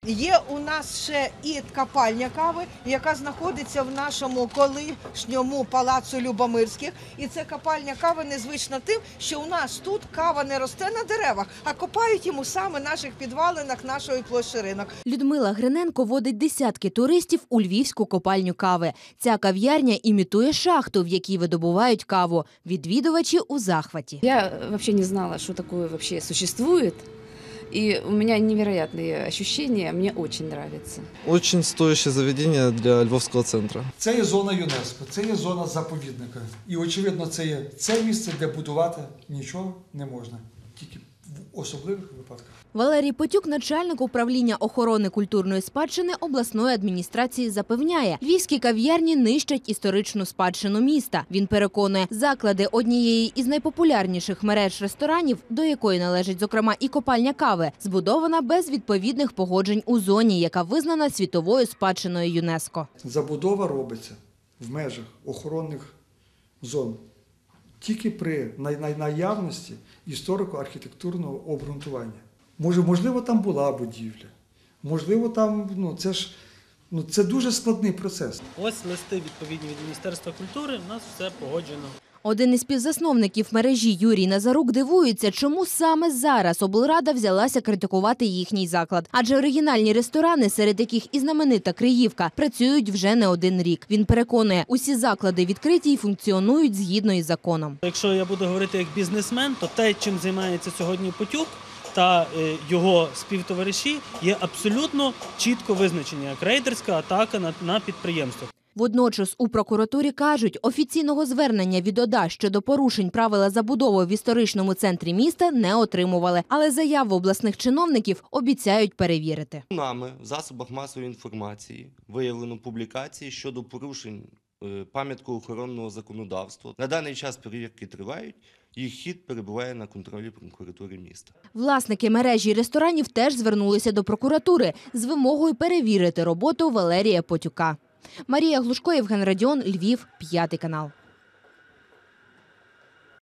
Є у нас ще і копальня кави, яка знаходиться в нашому колишньому палацу Любомирських. І це копальня кави незвична тим, що у нас тут кава не росте на деревах, а копають йому саме в наших підвалинах нашої площі Ринок. Людмила Гриненко водить десятки туристів у львівську копальню кави. Ця кав'ярня імітує шахту, в якій видобувають каву. Відвідувачі у захваті. Я вообще не знала, что такое вообще существует. И у меня невероятные ощущения, мне очень нравится. Очень стоящее заведение для Львовського центру. Це є зона ЮНЕСКО, це є зона заповідника. І, очевидно, це є це місце, де будувати нічого не можна, тільки в особливих випадках. Валерій Потюк, начальник управління охорони культурної спадщини обласної адміністрації, запевняє, львівські кав'ярні нищать історичну спадщину міста. Він переконує, заклади однієї із найпопулярніших мереж ресторанів, до якої належить, зокрема, і копальня кави, збудована без відповідних погоджень у зоні, яка визнана світовою спадщиною ЮНЕСКО. Забудова робиться в межах охоронних зон тільки при наявності історико-архітектурного обґрунтування. Можливо, там була будівля, можливо, там, це дуже складний процес. Ось листи відповідні від Міністерства культури, у нас все погоджено. Один із співзасновників мережі Юрій Назарук дивується, чому саме зараз облрада взялася критикувати їхній заклад. Адже оригінальні ресторани, серед яких і знаменита Криївка, працюють вже не один рік. Він переконує, усі заклади відкриті і функціонують згідно із законом. Якщо я буду говорити як бізнесмен, то те, чим займається сьогодні Потюк та його співтовариші, є абсолютно чітко визначені як рейдерська атака на підприємство. Водночас у прокуратурі кажуть, офіційного звернення від ОДА щодо порушень правила забудови в історичному центрі міста не отримували. Але заяву обласних чиновників обіцяють перевірити. Нами в засобах масової інформації виявлено публікації щодо порушень пам'яткоохоронного законодавства. На даний час перевірки тривають, їх хід перебуває на контролі прокуратури міста. Власники мережі ресторанів теж звернулися до прокуратури з вимогою перевірити роботу Валерія Потюка. Марія Глушко, Євген Радіон, Львів, 5 канал.